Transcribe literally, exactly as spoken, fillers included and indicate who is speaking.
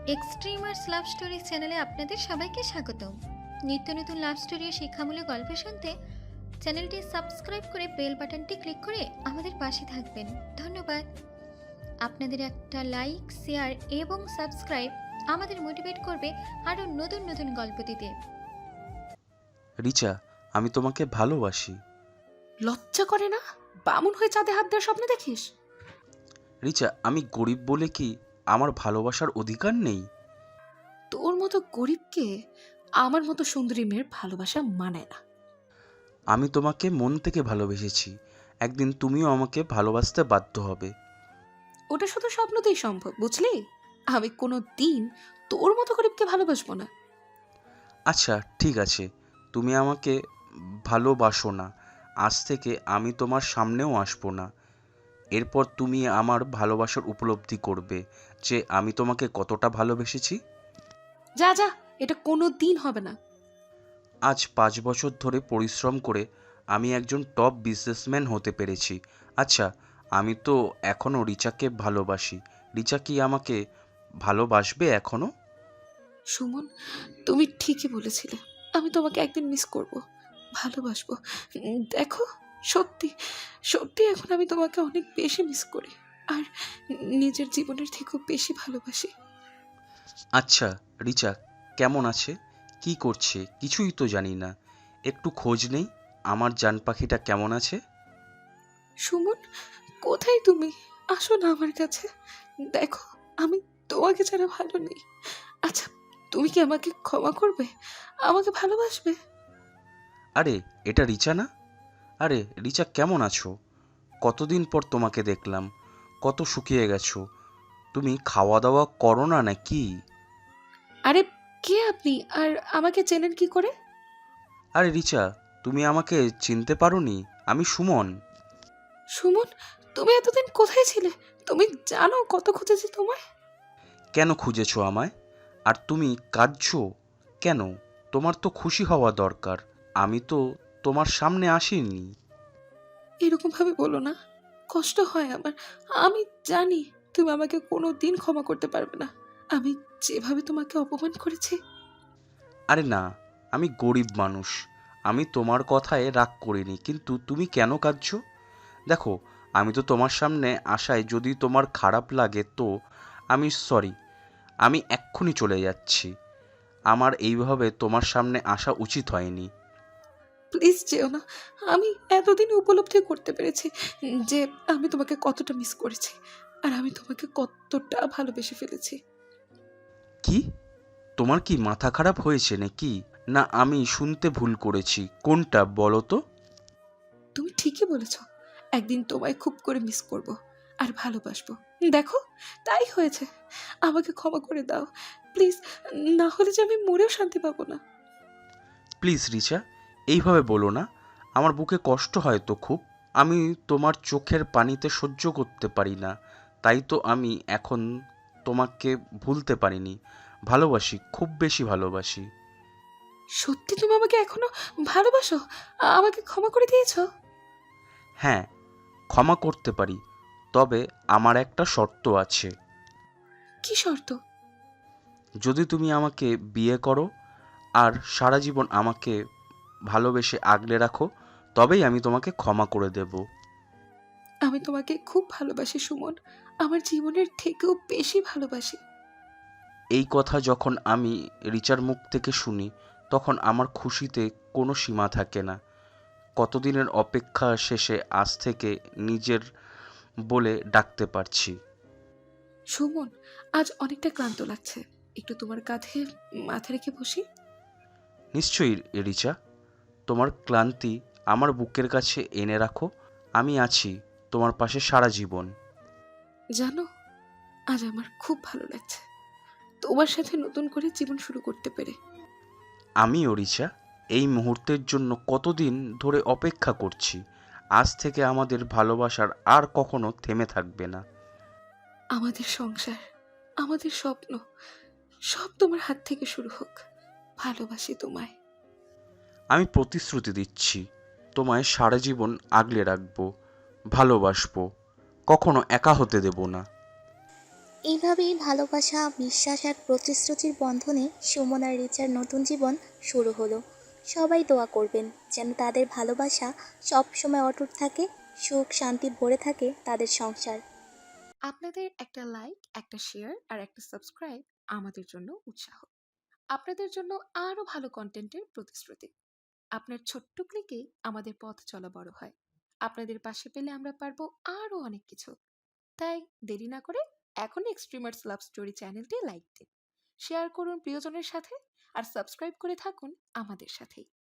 Speaker 1: Extremers love story চ্যানেলে আপনাদের সবাইকে স্বাগতম। নিত্য নতুন লাভ স্টোরি ও শিক্ষামূলক গল্প শুনতে চ্যানেলটি সাবস্ক্রাইব করে বেল বাটনটি ক্লিক করে আমাদের পাশে থাকবেন। ধন্যবাদ। আপনাদের একটা লাইক, শেয়ার এবং সাবস্ক্রাইব আমাদের মোটিভেট করবে আরও নতুন নতুন গল্প দিতে।
Speaker 2: রিচা, আমি তোমাকে ভালোবাসি।
Speaker 3: লজ্জা করে না? বামুন হয়ে চাঁদে হাত দেওয়ার স্বপ্ন দেখিস?
Speaker 2: রিচা, আমি গরিব বলে কি আমার ভালোবাসার অধিকার নেই?
Speaker 3: তোর মতো গরিবকে আমার মতো সুন্দরী মেয়ের ভালোবাসা মানায় না।
Speaker 2: আমি তোমাকে মন থেকে ভালোবেসেছি, একদিন তুমিও আমাকে ভালোবাসতে বাধ্য হবে।
Speaker 3: ওটা শুধু স্বপ্নতেই সম্ভব, বুঝলি? আমি কোনো দিন তোর মতো গরিবকে ভালোবাসবো না।
Speaker 2: আচ্ছা ঠিক আছে, তুমি আমাকে ভালোবাসো না, আজ থেকে আমি তোমার সামনেও আসবো না। এরপর তুমি আমার ভালোবাসার উপলব্ধি করবে যে আমি তোমাকে কতটা ভালোবেসেছি।
Speaker 3: যা যা, এটা কোনো দিন হবে না।
Speaker 2: আজ পাঁচ বছর ধরে পরিশ্রম করে আমি একজন টপ বিজনেসম্যান হতে পেরেছি। আচ্ছা, আমি তো এখনও রিচাকে ভালোবাসি। রিচা কি আমাকে ভালোবাসবে এখনও?
Speaker 3: সুমন, তুমি ঠিকই বলেছিলে। আমি তোমাকে একদিন মিস করব, ভালোবাসবো। উম, দেখো, সত্যি সত্যি এখন আমি তোমাকে অনেক বেশি মিস করি, আর নিজের জীবনের থেকেও বেশি ভালোবাসি।
Speaker 2: আচ্ছা রিচা কেমন আছে, কি করছে কিছুই তো জানি না, একটু খোঁজ নেই আমার জান পাখিটা কেমন আছে।
Speaker 3: সুমন, কোথায় তুমি? আসো না আমার কাছে। দেখো, আমি তোমাকে ছাড়া ভালো নেই। আচ্ছা, তুমি কি আমাকে ক্ষমা করবে? আমাকে ভালোবাসবে?
Speaker 2: আরে এটা রিচা না? আরে রিচা কেমন আছো? কতদিন পর তোমাকে দেখলাম, কত শুকিয়ে গেছো। তুমি খাওয়া দাওয়া করো না নাকি?
Speaker 3: আরে, কে আপনি, আর আমাকে চেনেন কি করে?
Speaker 2: আরে রিচা, তুমি আমাকে চিনতে পারোনি? আমি সুমন।
Speaker 3: সুমন, তুমি এতদিন কোথায় ছিলে? তুমি জানো কত খুঁজেছি তোমায়।
Speaker 2: কেন খুঁজেছো আমায়? আর তুমি কাঁদছো কেন? তোমার তো খুশি হওয়া দরকার, আমি তো তোমার সামনে আসিনি।
Speaker 3: এরকম ভাবে বলো না, কষ্ট হয় আমার। আমি জানি তুমি আমাকে কোনো দিন ক্ষমা করতে পারবে না, আমি যেভাবে তোমাকে অপমান করেছি।
Speaker 2: আরে না, আমি গরিব মানুষ, আমি তোমার কথায় রাগ করিনি, কিন্তু তুমি কেন কাঁদছো? দেখো, আমি তো তোমার সামনে আসায় যদি তোমার খারাপ লাগে তো আমি সরি, আমি এক্ষুনি চলে যাচ্ছি। আমার এইভাবে তোমার সামনে আসা উচিত হয়নি।
Speaker 3: প্লিজ যেও না। আমি এতদিন উপলব্ধি করতে পেরেছি যে আমি তোমাকে কতটা মিস করেছি, আর আমি তোমাকে কতটা ভালোবেসে ফেলেছি।
Speaker 2: কি? তোমার কি মাথা খারাপ হয়েছে নাকি? না আমি শুনতে ভুল করেছি, কোনটা বলো তো?
Speaker 3: তুমি ঠিকই বলেছ, একদিন তোমায় খুব করে মিস করব আর ভালোবাসবো। দেখো, তাই হয়েছে। আমাকে ক্ষমা করে দাও প্লিজ, না হলে যে আমি মরেও শান্তি পাবো না।
Speaker 2: প্লিজ রিচা, এইভাবে বলো না, আমার বুকে কষ্ট হয় তো খুব। আমি তোমার চোখের পানিতে সহ্য করতে পারি না, তাই তো আমি এখন তোমাকে ভুলতে পারিনি। ভালোবাসি, খুব বেশি ভালোবাসি।
Speaker 3: সত্যি তুমি আমাকে এখনো ভালোবাসো? আমাকে ক্ষমা করে দিয়েছো?
Speaker 2: হ্যাঁ, ক্ষমা করতে পারি, তবে আমার একটা শর্ত আছে।
Speaker 3: কি শর্ত?
Speaker 2: যদি তুমি আমাকে বিয়ে করো আর সারা জীবন আমাকে ভালোবেসে আগলে রাখো, তবেই আমি তোমাকে ক্ষমা করে দেব।
Speaker 3: আমি তোমাকে খুব ভালোবাসি সুমন, আমার জীবনের থেকেও বেশি ভালোবাসি।
Speaker 2: এই কথা যখন আমি রিচার মুখ থেকে শুনি তখন আমার খুশিতে কোনো সীমা থাকে না। কতদিনের অপেক্ষা শেষে আজ থেকে নিজের বলে ডাকতে পারছি।
Speaker 3: সুমন, আজ অনেকটা ক্লান্ত লাগছে, একটু তোমার কাঁধে মাথা রেখে বসি।
Speaker 2: নিশ্চয়ই রিচা, তোমার ক্লান্তি আমার বুকের কাছে এনে রাখো, আমি আছি তোমার পাশে সারা জীবন।
Speaker 3: জানো, আজ আমার খুব ভালো লাগছে তোমার সাথে নতুন করে জীবন শুরু করতে পেরে।
Speaker 2: আমিও রিচা, এই মুহূর্তের জন্য কতদিন ধরে অপেক্ষা করছি। আজ থেকে আমাদের ভালোবাসার আর কখনো থেমে থাকবে না।
Speaker 3: আমাদের সংসার, আমাদের স্বপ্ন, সব তোমার হাত থেকে শুরু হোক। ভালোবাসি তোমায়।
Speaker 2: আমি প্রতিশ্রুতি দিচ্ছি, তোমায় সারা জীবন আগলে রাখবো, ভালোবাসবো, কখনো একা হতে দেব না।
Speaker 4: এইভাবেই ভালোবাসা, বিশ্বাস আর প্রতিশ্রুতির বন্ধনে সুমন আর রিচার নতুন জীবন শুরু হলো। সবাই দোয়া করবেন যেন তাদের ভালোবাসা সব সময় অটুট থাকে, সুখ শান্তি ভরে থাকে তাদের সংসার।
Speaker 3: আপনাদের একটা লাইক, একটা শেয়ার আর একটা সাবস্ক্রাইব আমাদের জন্য উৎসাহ। আপনাদের জন্য আরো ভালো কন্টেন্টের প্রতিশ্রুতি। আপনার ছোট্ট ক্লিকেই আমাদের পথ চলা বড় হয়। আপনাদের পাশে পেলে আমরা পারবো আরো অনেক কিছু। তাই দেরি না করে এখনই এক্সট্রিমার্স লাভ স্টোরি চ্যানেলটি লাইক দিন, শেয়ার করুন প্রিয়জনের সাথে, আর সাবস্ক্রাইব করে থাকুন আমাদের সাথেই।